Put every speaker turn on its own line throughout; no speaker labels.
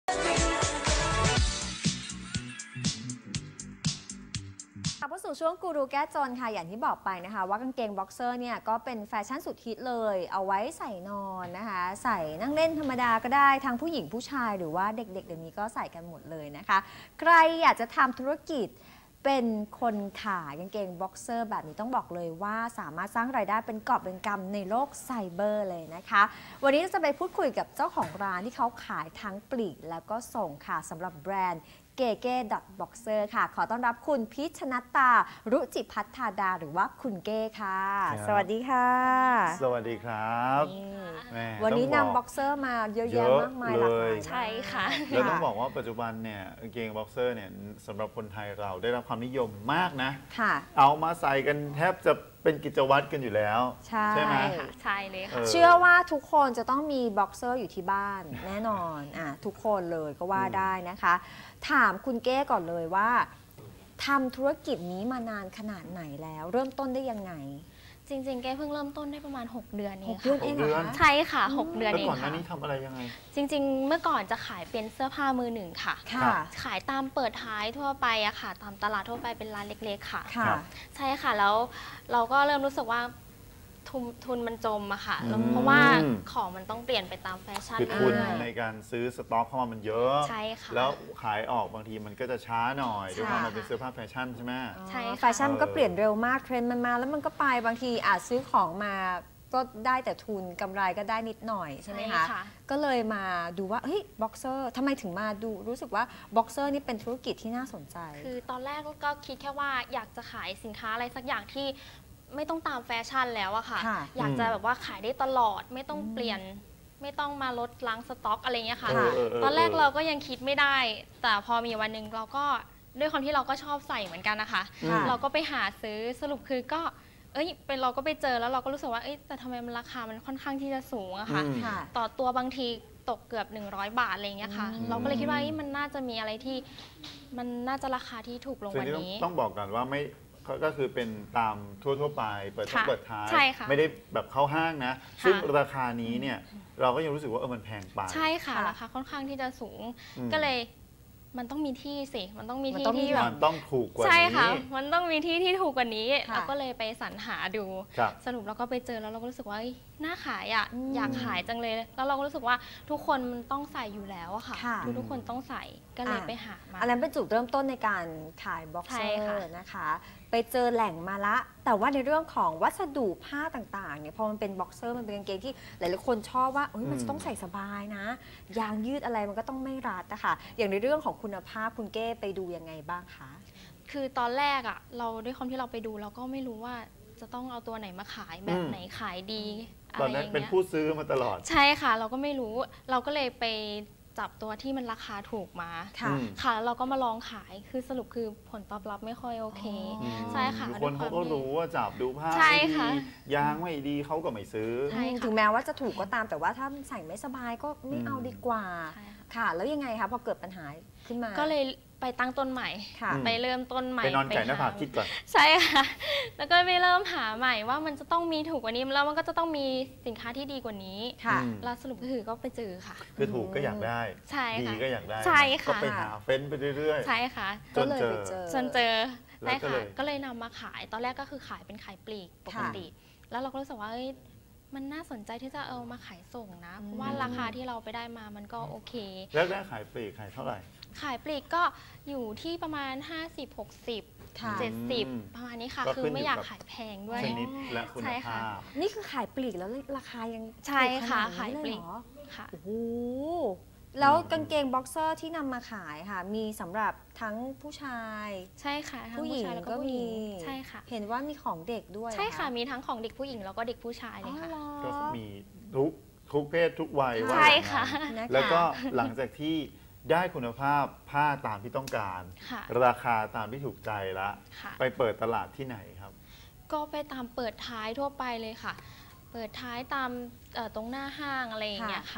เข้าสู่ช่วงกูรูแก้จนค่ะอย่างที่บอกไปนะคะว่ากางเกงบ็อกเซอร์เนี่ยก็เป็นแฟชั่นสุดฮิตเลยเอาไว้ใส่นอนนะคะใส่นั่งเล่นธรรมดาก็ได้ทั้งผู้หญิงผู้ชายหรือว่าเด็กๆเดี๋ยวนี้ก็ใส่กันหมดเลยนะคะใครอยากจะทำธุรกิจเป็นคนขายกางเกงบ็อกเซอร์แบบนี้ต้องบอกเลยว่าสามารถสร้างรายได้เป็นกอบเป็นกำในโลกไซเบอร์เลยนะคะวันนี้จะไปพูดคุยกับเจ้าของร้านที่เขาขายทั้งปลีกแล้วก็ส่งค่ะสำหรับแบรนด์เก๋ boxer ค่ะขอต้อนรับคุณพิชนัตตารุจิพัฒธาดาหรือว่าคุณเก้ค่ะสวัสดีค่ะ
สวัสดีครับ
วันนี้นำบ็อกเซอร์มาเยอะแยะมากมายหลากหลาย
ใช่ค่ะ
เราต้องบอกว่าปัจจุบันเนี่ยกางเกงบ็อกเซอร์เนี่ยสำหรับคนไทยเราได้รับความนิยมมากนะเอามาใส่กันแทบจะเป็นกิจวัตรกันอยู่แล้วใช่ไหม
ใช่เลยค่ะ
เชื่อว่าทุกคนจะต้องมีบ็อกเซอร์อยู่ที่บ้านแน่นอนทุกคนเลยก็ว่าได้นะคะถามคุณเก้ก่อนเลยว่าทำธุรกิจนี้มานานขนาดไหนแล้วเริ่มต้นได้ยังไง
จริงๆแกเพิ่งเริ่มต้นได้ประมาณ6 เดือนเอง
ค่ะ6 เดือนเองเหรอ
ใช่ค่ะ6 เดือนเองค่ะ
ก่อนหน้านี้ทำอะไรยังไง
จริงๆเมื่อก่อนจะขายเป็นเสื้อผ้ามือหนึ่งค่ะขายตามเปิดท้ายทั่วไปอะค่ะตามตลาดทั่วไปเป็นร้านเล็กๆค่ะใช่ค่ะแล้วเราก็เริ่มรู้สึกว่าทุนมันจมอะค่ะเพราะว่าของมันต้องเปลี่ยนไปตามแฟชั่น
ทุนในการซื้อสต็อกเข้ามามันเยอะ
ใช่ค่ะ
แล้วขายออกบางทีมันก็จะช้าหน่อยด้วยความมันเป็นเสื้อผ้าแฟชั่นใช่ไหม
ใช่แฟชั่นมันก็เปลี่ยนเร็วมากเทรนด์มันมาแล้วมันก็ไปบางทีอาจซื้อของมาก็ได้แต่ทุนกำไรก็ได้นิดหน่อยใช่ไหมคะก็เลยมาดูว่าเฮ้ยบ็อกเซอร์ทำไมถึงมาดูรู้สึกว่าบ็อกเซอร์นี่เป็นธุรกิจที่น่าสนใจ
คือตอนแรกก็คิดแค่ว่าอยากจะขายสินค้าอะไรสักอย่างที่ไม่ต้องตามแฟชั่นแล้วอะค่ะอยากจะแบบว่าขายได้ตลอดไม่ต้องเปลี่ยนไม่ต้องมาลดล้างสต็อกอะไรเงี้ยค่ะตอนแรกเราก็ยังคิดไม่ได้แต่พอมีวันหนึ่งเราก็ด้วยความที่เราก็ชอบใส่เหมือนกันนะคะเราก็ไปหาซื้อสรุปคือก็เป็นเราก็ไปเจอแล้วเราก็รู้สึกว่าแต่ทำไมมันราคามันค่อนข้างที่จะสูงอะค่ะต่อตัวบางทีตกเกือบ100 บาทอะไรเงี้ยค่ะเราก็เลยคิดว่ามันน่าจะมีอะไรที่มันน่าจะราคาที่ถูกลงกว่านี้
ต้องบอกกันว่าไม่ก็คือเป็นตามทั่วไปเปิดท้ายไม่ได้แบบเข้าห้างนะซึ่งราคานี้เนี่ยเราก็ยังรู้สึกว่ามันแพงไป
ใช่ค่ะราคาค่อนข้างที่จะสูงก็เลยมันต้องมีที่สิมันต้องมีที่ที่แบบ
มันต้องถูกกว่านี้
ใช่ค่ะมันต้องมีที่ที่ถูกกว่านี้เราก็เลยไปสรรหาดูสรุปเราก็ไปเจอแล้วเราก็รู้สึกว่าน่าขายอ่ะอยากขายจังเลยแล้วเราก็รู้สึกว่าทุกคนมันต้องใส่อยู่แล้วอะค่ะทุกคนต้องใส่ก็เลยไปหามา
อันนั้นเป็นจุดเริ่มต้นในการขายบ็อกเซอร์นะคะไปเจอแหล่งมาละแต่ว่าในเรื่องของวัสดุผ้าต่างๆเนี่ยพอมันเป็นบ็อกเซอร์มันเป็นกางเกงที่หลายๆคนชอบว่ามันจะต้องใส่สบายนะยางยืดอะไรมันก็ต้องไม่รัดนะคะอย่างในเรื่องของคุณภาพคุณเก้ไปดูยังไงบ้างคะ
คือตอนแรกอะเราด้วยความที่เราไปดูเราก็ไม่รู้ว่าจะต้องเอาตัวไหนมาขายแบบไหนขายดี
ตอนนั้นเป็นผู้ซื้อมาตลอด
ใช่ค่ะเราก็ไม่รู้เราก็เลยไปจับตัวที่มันราคาถูกมาค่ะแล้วเราก็มาลองขายคือสรุปคือผลตอบรับไม่ค่อยโอเคใช่ค่ะ
คนเขาก็รู้ว่าจับดูผ้าไม่ดียางไม่ดีเขาก็ไม่ซื้อ
ถึงแม้ว่าจะถูกก็ตามแต่ว่าถ้าใส่ไม่สบายก็ไม่เอาดีกว่าค่ะแล้วยังไงคะพอเกิดปัญหาขึ้นมา
ก็เลยไปตั้งต้นใหม่ไปเริ่มต้นใหม่
ไปนอนไก่หน้าผากคิดก่อน
ใช่ค่ะแล้วก็ไปเริ่มหาใหม่ว่ามันจะต้องมีถูกกว่านี้แล้วมันก็จะต้องมีสินค้าที่ดีกว่านี้แล้วสรุปก็คือก็ไปเจอค่ะ
คือถูกก็อยากได้ดีก็อยากได้
ใช่ค่ะ
ก็ไปหาเฟ้นไปเรื่อย
ๆใช่ค่ะ
จนเจอ
ใช่ค่ะก็เลยนำมาขายตอนแรกก็คือขายเป็นขายปลีกปกติแล้วเราก็รู้สึกว่ามันน่าสนใจที่จะเอามาขายส่งนะเพราะว่าราคาที่เราไปได้มามันก็โอเค
แล้วได้ขายปลีกขายเท่าไหร่
ขายปลีกก็อยู่ที่ประมาณ50-60 70ประมาณนี้ค่ะคือไม่อยากขายแพงด้วย
ชนิดและคุณภาพ
นี่คือขายปลีกแล้วราคายัง
ใช่ค่ะขายปลีก
ค่ะโอ้โหแล้วกางเกงบ็อกเซอร์ที่นำมาขายค่ะมีสำหรับทั้งผู้ชาย
ใช่ค่ะ
ผู้หญิงก็มี
ใช่ค่ะ
เห็นว่ามีของเด็กด้วย
ใช่ค่ะมีทั้งของเด็กผู้หญิงแล้วก็เด็กผู้ชายเลยค่ะ
ก็มีทุกเพศทุกวัย
ใช่ค่ะ
แล้วก็หลังจากที่ได้คุณภาพผ้าตามที่ต้องการราคาตามที่ถูกใจแล้วไปเปิดตลาดที่ไหนครับ
ก็ไปตามเปิดท้ายทั่วไปเลยค่ะเปิดท้ายตามตรงหน้าห้างอะไรอย่างเงี้ยค่ะ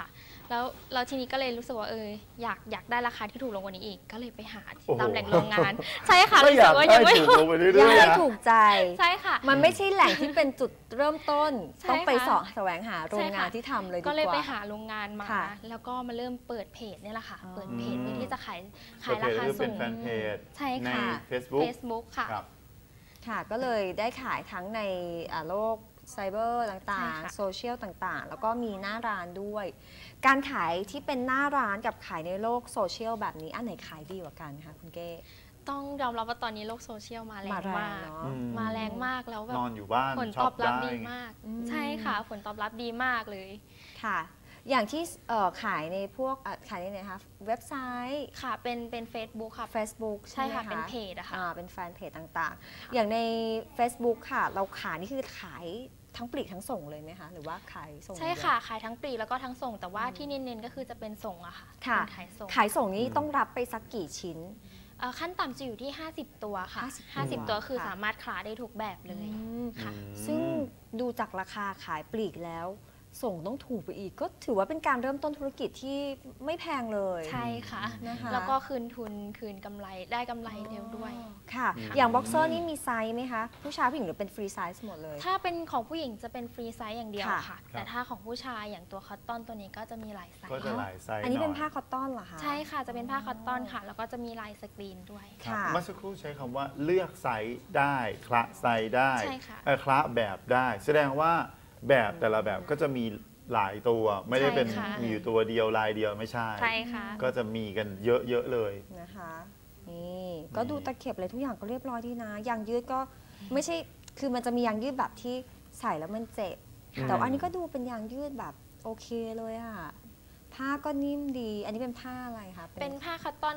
แล้วทีนี้ก็เลยรู้สึกว่าอยากได้ราคาที่ถูกลงกว่านี้อีกก็เลยไปหาตามแหล่งโรงงานใช่ค่ะรู้สึกว่ายังไม่ถูก
ใจ
ใช่ค่ะ
มันไม่ใช่แหล่งที่เป็นจุดเริ่มต้นต้องไปแสวงหาโรงงานที่ทำเลยดีกว่า
ก็เลยไปหาโรงงานมาแล้วก็มาเริ่มเปิดเพจนี่แหละค่ะเปิดเพจเพื่อที่จะขายราคาสูงใช่ค่ะ Facebook ค่ะ
ค่ะก็เลยได้ขายทั้งในโลกไซเบอร์ต่างๆโซเชียลต่างๆแล้วก็มีหน้าร้านด้วยการขายที่เป็นหน้าร้านกับขายในโลกโซเชียลแบบนี้อันไหนขายดีกว่ากันคะคุณเก้
ต้องยอมรับว่าตอนนี้โลกโซเชียลมาแรงมากมาแรงมากแล้วแบบ
นอนอยู่บ้าน
ผลตอบรับดีมากใช่ค่ะผลตอบรับดีมากเลย
ค่ะอย่างที่ขายในพวกขายในไหนคะเว็บไซต์
ค่ะเป็น Facebook ค่ะ
Facebook
ใช่ค่ะเป็นเพจอะค่ะ
เป็นแฟนเพจต่างๆอย่างใน Facebook ค่ะเราขายนี่คือขายทั้งปลีกทั้งส่งเลยไหมคะหรือว่าขายส่ง
ใช่ค่ะขายทั้งปลีกแล้วก็ทั้งส่งแต่ว่าที่เน้นๆก็คือจะเป็นส่งอะค่ะ
ขายส่งนี่ต้องรับไปสักกี่ชิ้น
ขั้นต่ำจะอยู่ที่50ตัวค่ะ50ตัวคือสามารถขายได้ทุกแบบเลยค่ะ
ซึ่งดูจากราคาขายปลีกแล้วส่งต้องถูกไปอีกก็ถือว่าเป็นการเริ่มต้นธุรกิจที่ไม่แพงเลย
ใช่ค่ะแล้วก็คืนทุนคืนกำไรได้กำไรเร็วด้วย
ค่ะอย่างบ็อกเซอร์นี่มีไซส์ไหมคะผู้ชายผู้หญิงหรือเป็นฟรีไซส์หมดเลย
ถ้าเป็นของผู้หญิงจะเป็นฟรีไซส์อย่างเดียวค่ะแต่ถ้าของผู้ชายอย่างตัวคอตตอนตัวนี้ก็จะมีหลายไซส์
ก็จะหลายไซส์
อันนี้เป็นผ้าคอตตอนเหรอคะ
ใช่ค่ะจะเป็นผ้าคอตตอนค่ะแล้วก็จะมีลายสกรีนด้วย
เมื่อสักครู่ใช้คำว่าเลือกไซส์ได้คละไซส์ได้คละแบบได้แสดงว่าแบบแต่ละแบบก็จะมีหลายตัวไม่ได้เป็นมีอยู่ตัวเดียวลายเดียวไม่ใช่ก็จะมีกันเยอะๆเลย
นะคะนี่ก็ดูตะเข็บอะไรทุกอย่างก็เรียบร้อยดีนะยางยืดก็ไม่ใช่คือมันจะมียางยืดแบบที่ใส่แล้วมันเจ็บแต่อันนี้ก็ดูเป็นยางยืดแบบโอเคเลยอ่ะผ้าก็นิ่มดีอันนี้เป็นผ้าอะไรคะ
เป็นผ้าคัตตอน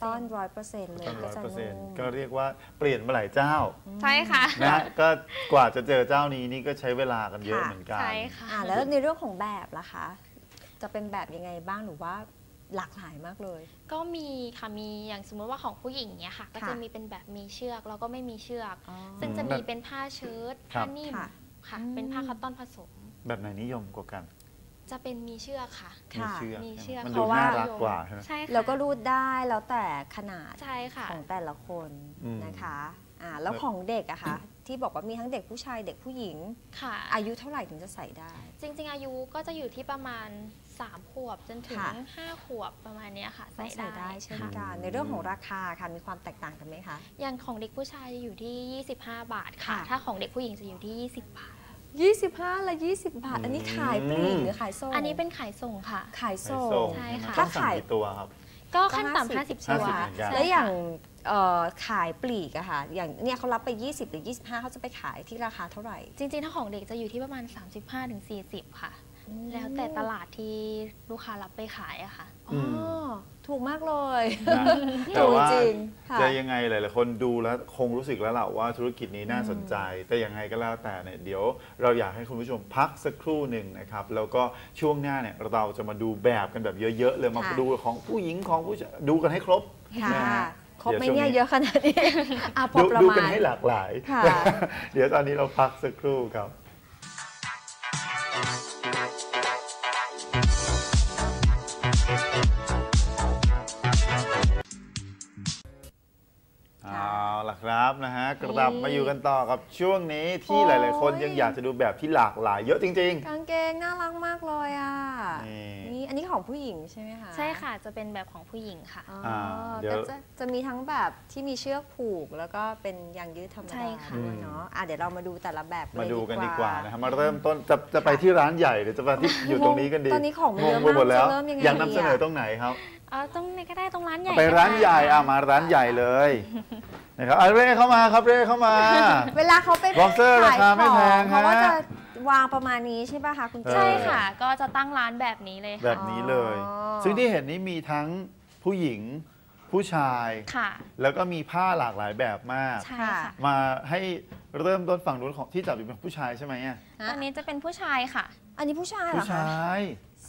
100%เลยก็จะนุ่ม
ก็เรียกว่าเปลี่ยนมาหลายเจ้า
ใช่ค่ะ
นะก็กว่าจะเจอเจ้านี้นี่ก็ใช้เวลากันเยอะเหมือนกัน
ใช่ค่ะ
แล้วในเรื่องของแบบล่ะคะจะเป็นแบบยังไงบ้างหรือว่าหลากหลายมากเลย
ก็มีค่ะมีอย่างสมมติว่าของผู้หญิงเนี้ยค่ะก็จะมีเป็นแบบมีเชือกแล้วก็ไม่มีเชือกซึ่งจะมีเป็นผ้าเชิ้ตผ้านิ่มค่ะเป็นผ้าคัตตอนผสม
แบบไหนนิยมกว่ากัน
จะเป็นมีเชือกค่ะ
มีเชือกมันดูน่ารักกว่า
ใช่ค่ะ
แล้วก็รูดได้แล้วแต่ขนาด
ใช่ค่ะ
ของแต่ละคนนะคะแล้วของเด็กอะคะที่บอกว่ามีทั้งเด็กผู้ชายเด็กผู้หญิง
ค่ะ
อายุเท่าไหร่ถึงจะใส่ได้
จริงๆอายุก็จะอยู่ที่ประมาณ3 ขวบจนถึง5 ขวบประมาณนี้ค่ะใส่ได้
เช่นกันในเรื่องของราคาค่ะมีความแตกต่างกันไหมคะ
อย่างของเด็กผู้ชายอยู่ที่25 บาทค่ะถ้าของเด็กผู้หญิงจะอยู่ที่20 บาท
25 และ 20 บาทอันนี้ขายปลีกหรือขายส่ง
อันนี้เป็นขายส่งค่ะ
ขายส่ง
ใช่ค่ะ
ถ้าขายตัวครับ
ก็ขั้นต่ำ50 ตัว
แล้วอย่างขายปลีกอะค่ะอย่างเนี่ยเขารับไป20หรือ25เขาจะไปขายที่ราคาเท่าไหร่
จริงๆถ้าของเด็กจะอยู่ที่ประมาณ35-40ค่ะแล้วแต่ตลาดที่ลูกค้ารับไปขายอะค่ะ
ถูกมากเลย
แต่ว่าจะยังไงหลายๆคนดูแล้วคงรู้สึกแล้วแหละว่าธุรกิจนี้น่าสนใจแต่ยังไงก็แล้วแต่เนี่ยเดี๋ยวเราอยากให้คุณผู้ชมพักสักครู่หนึ่งนะครับแล้วก็ช่วงหน้าเนี่ยเราจะมาดูแบบกันแบบเยอะๆเลยมาดูของผู้หญิงของผู้ชายดูกันให้ครบ
ครบไหมเนี่ยเยอะขนาดนี้
ดูกันให้หลากหลายเดี๋ยวตอนนี้เราพักสักครู่ครับเอาล่ะครับนะฮะกลับมาอยู่กันต่อกับช่วงนี้ที่หลายๆคนยังอยากจะดูแบบที่หลากหลายเยอะจริง
ๆกางเกงน่ารักมากเลยอ่ะนี่อันนี้ของผู้หญิงใช่ไหมคะ
ใช่ค่ะจะเป็นแบบของผู้หญิงค่ะ
เดี๋ยวจะมีทั้งแบบที่มีเชือกผูกแล้วก็เป็นยางยืดธรรมดาด้วยเนาะเดี๋ยวเรามาดูแต่ละแบบ
มาดูกันดีกว่านะครับมาเริ่มต้นจะไปที่ร้านใหญ่หรือจะไปที่อยู่ตรงนี้กันดี
ตอนนี้ของเยอะมาก
หมดแล้ว
เริ่มยังไง
อยากนำเสนอตรงไหนครับ
ตรงไหนก็ได้ตรงร้านใหญ่
ไปร้านใหญ่มาร้านใหญ่เลยนะครับเร่เข้ามาครับเร่เข้ามา
เวลาเขาไป
บ็อกเซอร์ราคาไม่แพง
เขาก็จะวางประมาณนี้ใช่ป่ะคะคุณ
ใช่ค่ะก็จะตั้งร้านแบบนี้เลย
แบบนี้เลยซึ่งที่เห็นนี้มีทั้งผู้หญิงผู้ชายแล้วก็มีผ้าหลากหลายแบบมากมาให้เริ่มต้นฝั่งนู้นของที่จับอยู่เป็นผู้ชายใช่ไหม
อันนี้จะเป็นผู้ชายค่ะ
อันนี้ผู้ชายเหรอคะ
ผู้ชาย
สี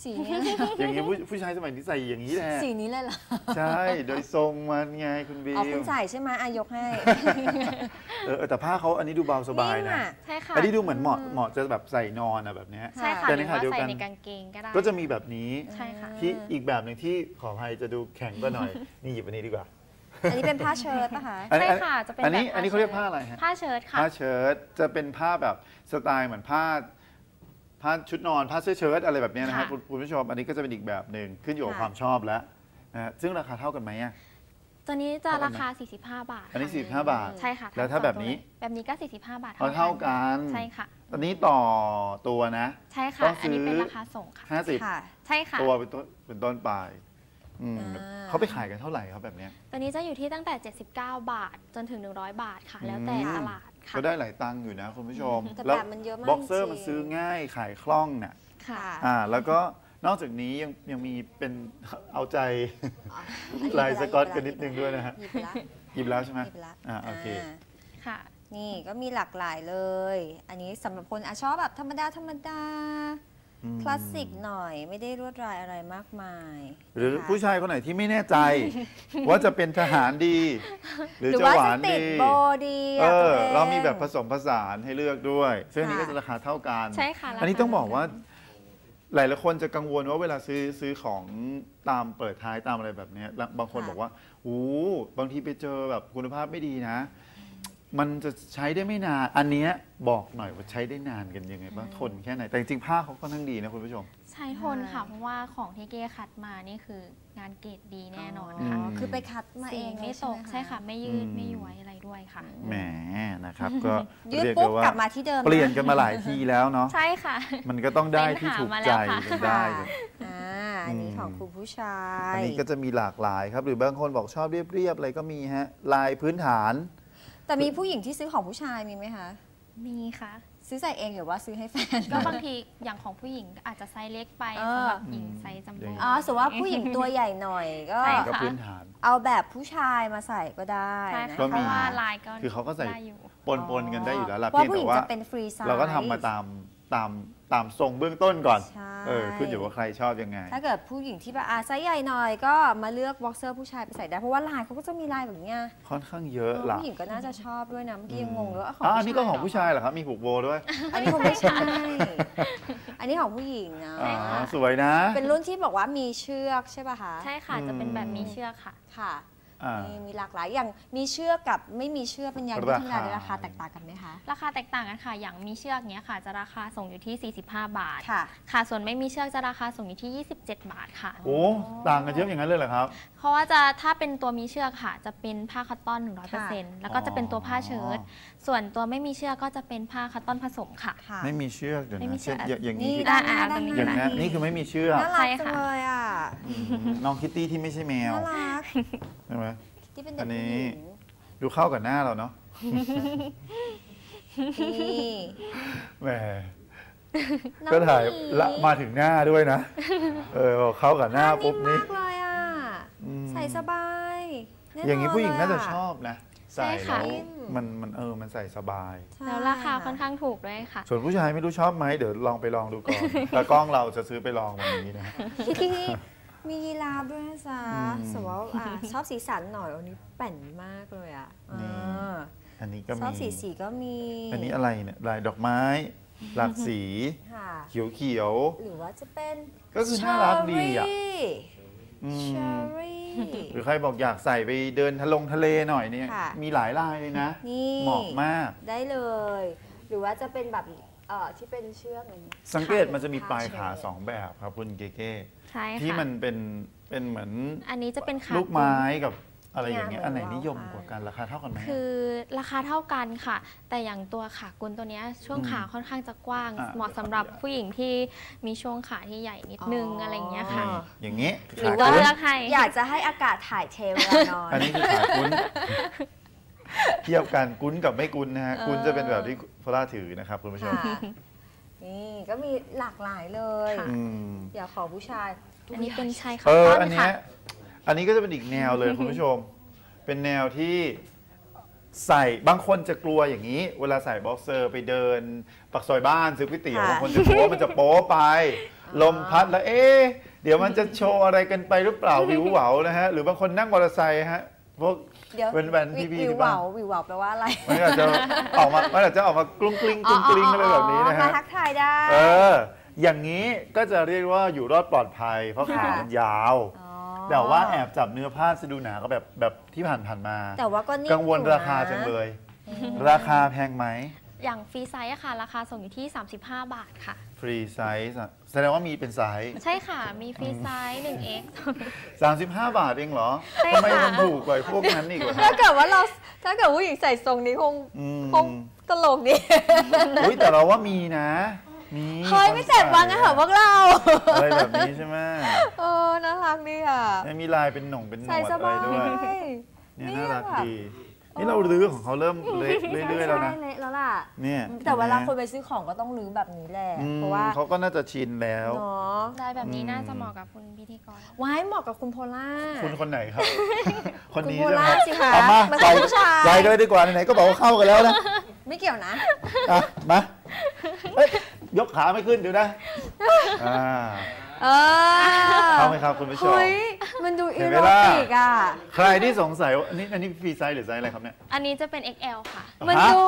สีนี้
อย่างนี้ผู้ชายสมัยนี้ใส่อย่างนี้แหละ
สีนี้เลยเหรอ
ใช่โดยทรงมันไงคุณบี
อ๋อคุณใส่ใช่ไหมยกให้
แต่ผ้าเขาอันนี้ดูเบาสบายนะ
ใช่ค่ะ
อันนี้ดูเหมือนเหมาะจะแบบใส่นอนอะแบบนี้
ใช่ค่ะหรือว่าใส่ในกางเกงก็ได้
ก็จะมีแบบนี้
ใช่ค่ะ
ที่อีกแบบหนึ่งที่ขออภัยจะดูแข็งก็หน่อยนี่หยิบอันนี้ดีกว่า
อันนี้เป็นผ้าเชิ้ตป่ะคะ
ใช่ค่ะจะเป็น
อันนี้เขาเรียกผ้าอะไรฮะ
ผ้าเชิ้ตค่ะ
ผ้าเชิ้ตจะเป็นผ้าแบบสไตล์เหมือนผ้าชุดนอนผ้าเสื้อเชิ้ตอะไรแบบนี้นะครับคุณผู้ชมอันนี้ก็จะเป็นอีกแบบหนึ่งขึ้นอยู่กับความชอบแล้วนะซึ่งราคาเท่ากันไหมอ่ะ
ตัวนี้จะราคา45 บาท
อันนี้45 บาท
ใช่ค่ะ
แล้วถ้าแบบนี้
ก็45 บาท
เท่ากัน
ใช่ค่ะ
อันนี้ต่อตัวนะ
ใช่ค่ะอันนี้เป็นราคาส่งค่ะ
50
ใช่ค่ะ
ตัวเป็นต้นปลายเขาไปขายกันเท่าไหร่ครับแบบนี้
ตัวนี้จะอยู่ที่ตั้งแต่79 บาทจนถึง100 บาทค่ะแล้วแต่ตลาดค่ะ
ก็ได้หลายตังค์อยู่นะคุณผู้ชม
แล้ว
บ็อกเซอร์มันซื้อง่ายขายคล่องเนี่ยแล้วก็นอกจากนี้ยังมีเป็นเอาใจลายสก๊อตกันนิดนึงด้วยนะฮะหยิบแล้วใช่ไหมโอเค
ค่ะ
นี่ก็มีหลากหลายเลยอันนี้สำหรับคนชอบแบบธรรมดาคลาสสิกหน่อยไม่ได้รวดลายอะไรมากมาย
หรือผู้ชายคนไหนที่ไม่แน่ใจ ว่าจะเป็นทหารดี หรือจะหวานดีเรามีแบบผสมผสานให้เลือกด้วยซึ่งนี้ก็จะราคาเท่ากัน
ใช่ค่ะ
อันนี้ต้องบอกว่าหลายคนจะกังวลว่าเวลาซื้อของตามเปิดท้ายตามอะไรแบบนี้บางคนบอกว่าบางทีไปเจอแบบคุณภาพไม่ดีนะมันจะใช้ได้ไม่นานอันนี้บอกหน่อยว่าใช้ได้นานกันยังไงบ้างทนแค่ไหนแต่จริงๆผ้าเขาก็ทั้งดีนะคุณผู้ชม
ใช้ทนค่ะเพราะว่าของที่เก้คัดมานี่คืองานเกรดดีแน่นอนค่ะ
คือไปคัดมาเอง
ไม่ตกใช่ค่ะไม่ยืดไม่ย้วยอะไรด้วยค่ะ
แหมนะครับก็
ยืดปุ๊บกลับมาที่เดิม
เปลี่ยนกันมาหลายทีแล้วเนาะ
ใช่ค่ะ
มันก็ต้องได้ที่ถูกใจกันได้
อันนี้ของคุณผู้ชาย
อันนี้ก็จะมีหลากหลายครับหรือบางคนบอกชอบเรียบๆอะไรก็มีฮะลายพื้นฐาน
แต่มีผู้หญิงที่ซื้อของผู้ชายมีไหมคะ
มีค่ะ
ซื้อใส่เองหรือว่าซื้อให้แฟน
ก็บางทีอย่างของผู้หญิงอาจจะไซส์เล็กไปสำหรับหญิงไซส์จำเป็น
สมมติว่าผู้หญิงตัวใหญ่หน่อยก็
พื้นฐาน
เอาแบบผู้ชายมาใส่ก็ได้
เพราะว่าลายก็
คือเขาก็ใส่ปนกันได้อยู่แล้วล่ะ
เพียงแต่ว่า
เราก็ทำมาตามทรงเบื้องต้นก่อนขึ้นอยู่ว่าใครชอบยังไง
ถ้าเกิดผู้หญิงที่แบบไซส์ใหญ่หน่อยก็มาเลือกบ็อกเซอร์ผู้ชายไปใส่ได้เพราะว่าลายเขาก็จะมีลายแบบนี้
ค่อนข้างเยอะล่ะ
ผู้หญิงก็น่าจะชอบด้วยนะเมื่อกี้ยังงงเลยว่า
อันนี้ก็ของผู้ชายเหรอครับมีผูกโบด้วย
อันนี้ของไม่ใช่อันนี้ของผู้หญิงนะ
สวยนะ
เป็นรุ่นที่บอกว่ามีเชือกใช่ป่ะคะ
ใช่ค่ะจะเป็นแบบมีเชือกค่ะ
ค่ะมีหลากหลายอย่างมีเชือกกับไม่มีเชือกเป็นยางยืดธรรมดาราคาแตกต่างกันไหมคะ
ราคาแตกต่างกันค่ะอย่างมีเชือกเนี้ยค่ะจะราคาส่งอยู่ที่45 บาท
ค่ะ
ส่วนไม่มีเชือกจะราคาส่งอยู่ที่27 บาทค่ะ
โอ้ต่างกันเยอะอย่างนั้นเลยเหรอครับ
เพราะว่าถ้าเป็นตัวมีเชือกค่ะจะเป็นผ้าคัตตอน 100% แล้วก็จะเป็นตัวผ้าเชิ้ตส่วนตัวไม่มีเชือกก็จะเป็นผ้าคัตตอนผสมค่ะ
ไม่มีเชือกเดี๋ยวนะอย่างนี้
อย่าง
นี้คือไม่มีเชือก
น่ารักเลยอ่ะ
น้องคิตตี้ที่ไม่ใช่แมว
น่ารัก
ใช่ไหมอันนี้ดูเข้ากับหน้าเราเนาะแหมก็ถ่ายละมาถึงหน้าด้วยนะเข้ากับหน้าปุ๊บนี่
เลยอ่ะใส่สบาย
อย่างนี้ผู้หญิงน่าจะชอบนะใส่แล้วมันใส่สบาย
แล้วราคาค่อนข้างถูกด้วยค่ะ
ส่วนผู้ชายไม่รู้ชอบไหมเดี๋ยวลองไปลองดูก่อนแต่กล้องเราจะซื้อไปลองวันนี้นะ
มียีราฟด้วยนะจ๊ะสมมติว่าชอบสีสันหน่อยวันนี้แป่นมากเลยอ่ะ
อันนี้ก็มี
ชอบสีก็มี
อันนี้อะไรเนี่ยลายดอกไม้หลากสีเขียว
หรือว่าจะเป็น
ก็คือน่ารักดีอ่ะหรือใครบอกอยากใส่ไปเดินทะเลหน่อยเนี่ยมีหลายลายเลยนะเหมาะมาก
ได้เลยหรือว่าจะเป็นแบบที่เป็นเชือกอย่างนี้
สังเกตมันจะมีปลายขา2แบบครับคุณเก๋ๆที่มันเป็นเหมือน
อันนี้จะเป็นขา
ลูกไม้กับอะไรอย่างเงี้ยอันไหนนิยมกว่ากันราคาเท่ากันไหม
คือราคาเท่ากันค่ะแต่อย่างตัวขากุนตัวนี้ช่วงขาค่อนข้างจะกว้างเหมาะสำหรับผู้หญิงที่มีช่วงขาที่ใหญ่นิดนึงอะไรอย่างเงี้ยค่ะ
อย่างงี้
หรือว่า
อยากจะให้อากาศถ่ายเทเวลานอน
อันนี้คือขากุนเทียบกันกุนกับไม่กุนนะฮะกุนจะเป็นแบบที่พลาถือนะครับคุณผู้ชม
นี่ก็มีหลากหลายเลย อย่าขอผู้ชาย
อันนี้เป็นชาย
ขาอันนี้ก็จะเป็นอีกแนวเลยคุณผู้ชมเป็นแนวที่ใส่บางคนจะกลัวอย่างนี้เวลาใส่บ็อกเซอร์ไปเดินปักซอยบ้านซื้อก๋วยเตี๋ยวบางคนจะกลัวมันจะโป๊ไปลมพัดแล้วเดี๋ยวมันจะโชว์อะไรกันไปหรือเปล่าวิวเหวานะฮะหรือบางคนนั่งมอเตอร์ไซค์ฮะพวกแว่นๆพี่ๆ
วิว
ที่
เห
บ้า
วน วิวเหวาแปลว่าอะไร
มันอาจจะออกมากลุ้งกลิ้งกลุ้งกลิ้งอะไรแบบนี้นะ
มา
ฮะ
ทักทายได้
อย่างนี้ก็จะเรียกว่าอยู่รอดปลอดภัย เพราะขามันยาว แต่ว่าแอบจับเนื้อผ้าสะดูหนาก็แบบที่ผ่านมา
แต่ว่าก็นิ่
กังวลราคาจังเลย ราคาแพงไหม
อย่างฟรีไซส์อะค่ะราคาส่งอยู่ที่ 35 บาทค่ะ
ฟรีไซส์แสดงว่ามีเป็นไซส์
ใช่ค่ะมีฟรีไซส์ 1x
35 บาทเองเหรอ
ใช่
ทำไม
ค่ะ
มันถูกกว่าพวกนั้นอีกวะ
ถ้าเกิดผู้หญิงใส่ทรงนี้คงตลกดี
อุ๊ยแต่เราว่ามีนะ มี
เฮ้ยไม่เจ็บวางกันเถอะพวกเรา
อะไรแบบนี้ใช่ไหม
น่ารักดีอ่ะ
มีลายเป็นหน่งเป็นหน
ใส่
วด
ส
อะไร
บาย
ด้วยเนี่ยน่ารักดี นี่เราลื้อของเขาเริ่มเละเรื่อยๆแล้วนะ
ใช่เละแล้วล่ะ
เนี่ย
แต่เวลาคนไปซื้อของก็ต้องรื้อแบบนี้แหละเพราะว่า
เขาก็น่าจะชินแล้ว
เนาะ
ได้แบบนี้น่าจะเหมาะกับคุณพิธีกร
ไว้เหมาะกับคุณโพล่า
คุณคนไหนครับ คนนี้
คุณโพ
ใช่ไหม
ล่าสิคะ
เอามา
มัน
ใส่
เป็นผู้ชาย
ใส่กันเลยดีกว่าไหนๆก็บอกว่าเข้ากันแล้วนะ
ไม่เกี่ยวนะ
อ่ะมาเอ้ยยกขาไม่ขึ้นเดี๋ยวนะเข้าไหมครับคุณผู้ชม
เฮ้ยมันดูอี
เห็นไห
โร
มล่ะ
ติกอ่ะ
ใครที่สงสัยว่าอันนี้ฟรีไซส์หรือไซส์อะไรครับเนี่ย
อันนี้จะเป็น XL ค่ะ
มันดู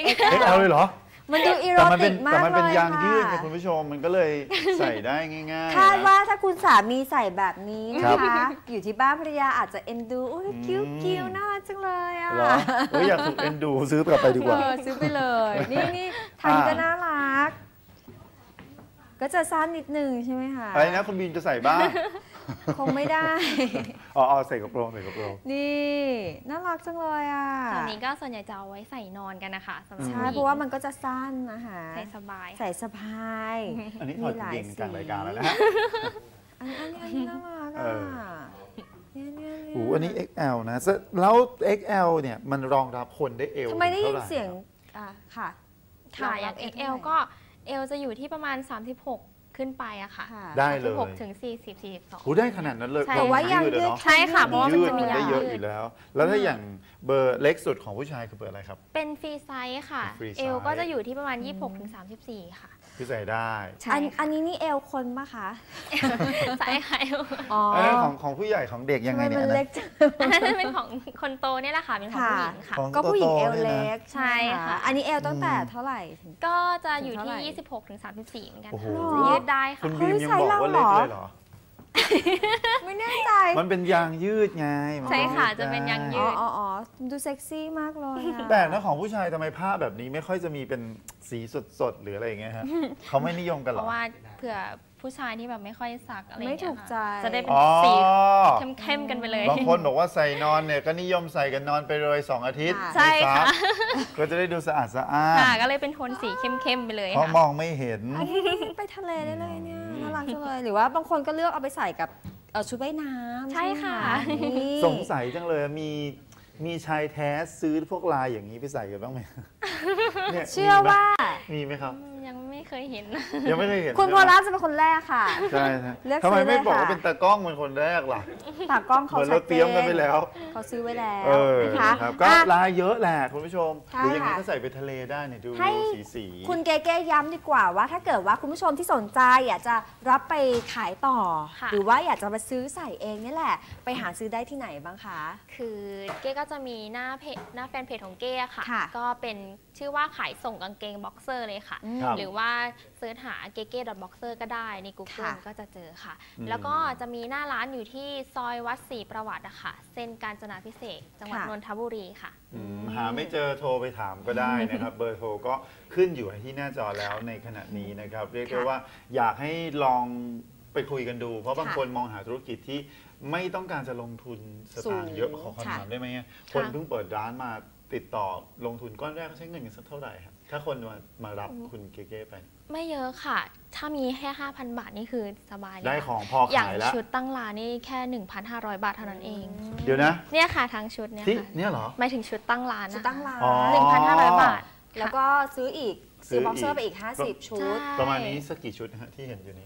XL เลยเหรอ
มันดูอีโร
แต่มัน
ติ
เป็น
กมาก
แต่มัน
เล
เป็น
ย
ยางยืดไง
ค่ะ
คุณผู้ชมมันก็เลยใส่ได้ง่ายๆ
คาด
นะ
ว่าถ้าคุณสามีใส่แบบนี้นะ
ครั
คะ
บ
อยู่ที่บ้านภรรยาอาจจะเอ็นดูอุ้ยคิ้วน่ารักจังเลยอ่ะ
เหรอเฮ้ยอยากถูกเอ็นดูซื้อกลับไปดีกว่า
ซื้อไปเลย นี่ทันก็น่ารัก ก็จะสั้นนิดนึงใช่ไหมคะ
อะไรนะคุณบีนจะใส่บ้าง
คงไม่ได้
อ๋อใส่กระโปรงใส่กระโปรง
นี่น่ารักจังเลยอ่ะ
ส่วนนี้ก็ส่วนใหญ่จะเอาไว้ใส่นอนกันนะคะสำหรับ
ใช่
ผู้หญิง
เพราะว่ามันก็จะสั้นนะคะ
ใส่สบาย
ใส่สะพาย
อันนี้ถอดจริงๆกลางรายการแล้วนะ
อันนี้น่ารัก
เอ
อ่ะ
อ
เนี่ย
โอ้อันนี้ XL นะแล้ว XL เนี่ยมันรองรับคนได้เอว
ทำไมได้ยิน
ท่าหร่
เสียงค่ะ
ค่ะอย่าง
รองรับ
XL ก็ L จะอยู่ที่ประมาณ 36 ขึ้นไปอะค่ะ
ค่ะ
ได้เลย
36ถึง40 42
โอ้ได้ขนาดนั้นเลย
ใช่
แต่ว่ายัง
ยืด
ยื
อะ
ด
เนาะ
ใช่ค่ะเพราะว่ามัน
ยืด
จะมี
มันได้
ยาง
เยอะ
ยื
อ
ด
ยู่แล้ว แล้วถ้าอย่างเบอร์เล็กสุดของผู้ชายคือเบอร์อะไรครับ
เป็นฟรีไซส์ค่ะ
เป็นฟรีไซส์
เอลก็จะอยู่ที่ประมาณ 26ถึง34 ค่ะ
คือใส่ได้
อันนี้นี่เอวคนปะคะ
ใช่ค่ะ
อ๋อ
อันนั้นของผู้ใหญ่ของเด็กยังไง
ทำ
เนี่ย
มัน
อัน
เล็
นั้
ก
น
จัง
อันนั้นเป็นของคนโตเนี่ยแหละค่ะ เป็นของผู้หญิงค่ะ
ของ
ก็ผู้หญิง
โตๆ
เอว
เนี่ยนะ
เล็ก
ใช่ค่ะ
อันนี้เอวตั้งแต่เท่าไหร่ถึง
ก็จะอยู่
ถึงเท่าไหร่
ที่ 26ถึง34 เหมือนกัน
โอ้โห
ค่ะจะยืดได้
คุ
ค่ะ
ณบีมยังบอกว่าเล็กเลยเหรอ
ไม่แน่ใจ
มันเป็นยางยืดไงมัน
ใช่ค่ะ
ยืด
จะเป็นยางยื
อ๋อ
ด
อ๋อดูเซ็กซี่มากเลยอะ
แต่นะของผู้ชายทำไมผ้าแบบนี้ไม่ค่อยจะมีเป็นสีสดๆหรืออะไรอย่างเงี้ยฮะ เขาไม่นิยมกันเห
เพ
รอ
ราะว่าเผื่อผู้ชายที่แบบไม่ค่อยสักอะไรอย่าง
ไม่
เงี้ย
ถูกใจ
ค่ะจะได้เป็น
อ๋อ
สีเข้มๆกันไปเลย
บางคนบอกว่าใส่นอนเนี่ยก็นิยมใส่กันนอนไปเลย2 อาทิตย์
ใช่
ไม่ซั
ค่ะ
กก็จะได้ดูสะอาดสะอ้าน
ค่ะ ก็เลยเป็นโทนสีเข้มๆไปเลย
เพราะ
ค่ะ
มองไม่เห็น
อันนี้ไปทะเลได้เลยเนี่ยน่ารักจังเลยหรือว่าบางคนก็เลือกเอาไปใส่กับชุดว่ายน้ำ
ใช่ค่ะ
ไหมนี่
สงสัยจังเลยมีชายแท้ซื้อพวกลายอย่างนี้ไปใส่กันบ้างไหมนี่ย
เชื่อว่า
มีไหมครับ
ยังไม่เคยเห็น
ยังไม่เคยเห็น
คุณโพ
ใช่ไหม
ล่าจะเป็นคนแรกค่ะ
ใช่ใช่
เลือก
ทำไม
ซื้อเลย
ไม่บอก
ค่ะ
ว่าเป็นตากล้องเป็นคนแรกล่ะ
ตากล้อง
เห
เขา
มือน
ชั
เรา
ด
เตรียมกันไปแล้ว
เขาซื้อไว้แล้ว
เออ
นะคะ
ครับก็
อ่ะ
ลายเยอะแหละคุณผู้ชม
ใช่
หรืออย่างนี้
ค่ะ
ก็ใส่ไปทะเลได้เนี่ยดู
ให้
สี
คุณเก๋ๆย้ำดีกว่าว่าถ้าเกิดว่าคุณผู้ชมที่สนใจอยากจะรับไปขายต่อ
ค่ะ
หรือว่าอยากจะมาซื้อใส่เองนี่แหละ ไปหาซื้อได้ที่ไหนบ้างคะ
คือเก้ก็จะมีหน้าเพจหน้าแฟนเพจของเก้ค่ะ
ค่ะ
ก็เป็นชื่อว่าขายส่งกางเกงบ็อกเซอร์เลยค่ะ
ครับ
หรือว่าเซิร์ชหาเก้ .boxer ก็ได้ใน Google
ค่ะ
ก็จะเจอค่ะ
อืม
แล้วก็จะมีหน้าร้านอยู่ที่ซอยวัดศรีประวัติอะค่ะ เส้นกาญจนาภิเษกจังหวัดนนทบุรีค่ะ
หาไม่เจอโทรไปถามก็ได้นะครับ เบอร์โทรก็ขึ้นอยู่ที่หน้าจอแล้วในขณะนี้นะครับ เรียกได้ว่าอยากให้ลองไปคุยกันดู เพราะบางคนมองหาธุรกิจที่ไม่ต้องการจะลงทุนสตางค์เยอะขอคำถามได้ไหมคนเพิ่งเปิดร้านมาติดต่อลงทุนก้อนแรกเขาใช้เงินกันสักเท่าไหร่ครับถ้าคนมารับคุณเก๋ๆไป
ไม่เยอะค่ะ ถ้ามีแค่ 5,000 บาทนี่คือสบายเลย
ได้
ค่ะ
ของพอ
อย่าง
ขายแล้ว
ชุดตั้งร้านนี่แค่ 1,500 บาทเท่านั้นเอง
เดี๋ยวนะ
เนี่ยค่ะทั้งชุดเนี่ย
ที่
ค่ะ
เนี่ยเหรอ
หมายถึงชุดตั้งร้าน
ชุด
นะคะ
ตั้งร้าน
อ๋อ
1,500 บาท
แล้วก็ซื้ออีก
ซื้
ซื้
อ
อบ็อกเซอ
อี
ร์
ก
ไปอีก 50 ชุด
ใช่
ประมาณนี้สักกี่ชุดนะฮะที่เห็นอยู่นี้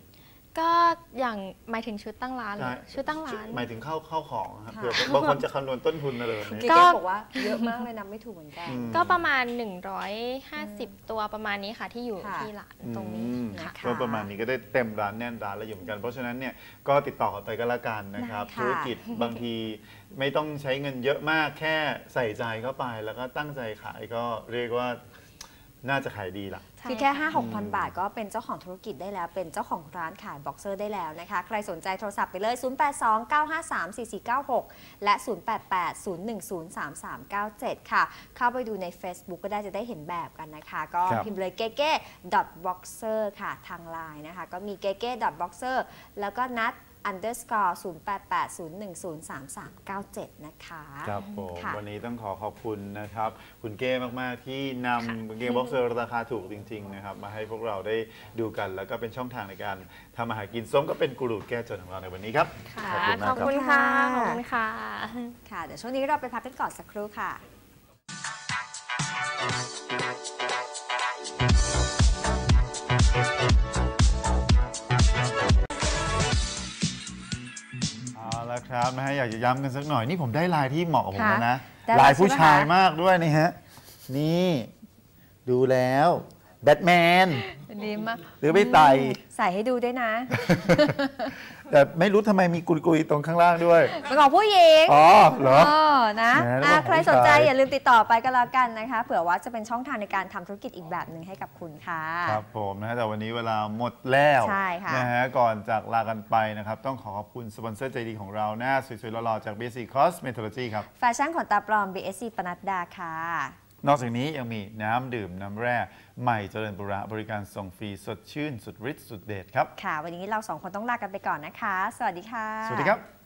ก็อย่างหมายถึงชุดตั้งร้านหรือชุดตั้งร้าน
หมายถึงเข้าของครับเผื่อบางคนจะคำนวณต้นทุนอะไรแบบนี้
ก็บอกว่าเยอะมากเลยนะไม่ถูกเหมือนกัน
ก็ประมาณ150ตัวประมาณนี้ค่ะที่อยู่ที่ร้านตรงนี้
ก็ประมาณนี้ก็ได้เต็มร้านแน่นร้านแล้วอยู่เหมือนกันเพราะฉะนั้นเนี่ยก็ติดต่อกันไปก็แล้วกันนะครับธุรกิจบางทีไม่ต้องใช้เงินเยอะมากแค่ใส่ใจเข้าไปแล้วก็ตั้งใจขายก็เรียกว่าน่าจะขายดีล่ะ
คือแค่ 5-6,000 บาทก็เป็นเจ้าของธุรกิจได้แล้วเป็นเจ้าของร้านขายบ็อกเซอร์ได้แล้วนะคะใครสนใจโทรศัพท์ไปเลย 0829534496 และ 0880103397 ค่ะเข้าไปดูใน Facebook ก็ได้จะได้เห็นแบบกันนะคะก็พิมพ์เลยเก๊ๆ boxer ค่ะทางไลน์นะคะก็มีเก๊ๆ boxer แล้วก็นัด_0880103397 นะคะ
ครับผมวันนี้ต้องขอบคุณนะครับคุณเก้มากๆที่นำเกมบ็อกเซอร์ราคาถูกจริงๆนะครับมาให้พวกเราได้ดูกันแล้วก็เป็นช่องทางในการทำอาหารกินส้มก็เป็นกูรูแก้จนของเราในวันนี้ครับ
ขอบคุณค่ะขอบคุณค่ะ
ค่ะเดี๋ยวช่วงนี้เราไปพักกันก่อนสักครู่ค่ะ
แล้วครับนะฮะอยากจะย้ำกันสักหน่อยนี่ผมได้ลายที่เหมาะกับผมแล้วนะลายผู้ชายมากด้วยนี่ฮะนี่ดูแล้วแบทแมน
ดีมาก
หรือไม่ไต
ใส่ให้ดูด้วยนะ
แต่ไม่รู้ทำไมมีกุยๆตรงข้างล่างด้วย
เป็นของผู้หญิง
อ๋อเหรอ
นะใครสนใจอย่าลืมติดต่อไปก็แล้วกันนะคะเผื่อว่าจะเป็นช่องทางในการทำธุรกิจอีกแบบหนึ่งให้กับคุณค่ะ
ครับผมนะแต่วันนี้เวลาหมดแล้วนะฮะก่อนจากลากันไปนะครับต้องขอบคุณสปอนเซอร์ใจดีของเราหน้าสวยๆหล่อๆจาก BSC Cosmetology ครับ
แฟชั่นขนตาปลอม BSC ปนัดดาค่ะ
นอกจากนี้ยังมีน้ำดื่มน้ำแร่ใหม่เจริญบุระบริการส่งฟรีสดชื่นสุดฤทธิ์สุดเด็ดครับ
ค่ะวันนี้เรา2คนต้องลากันไปก่อนนะคะสวัสดีค่ะ
สวัสดีครับ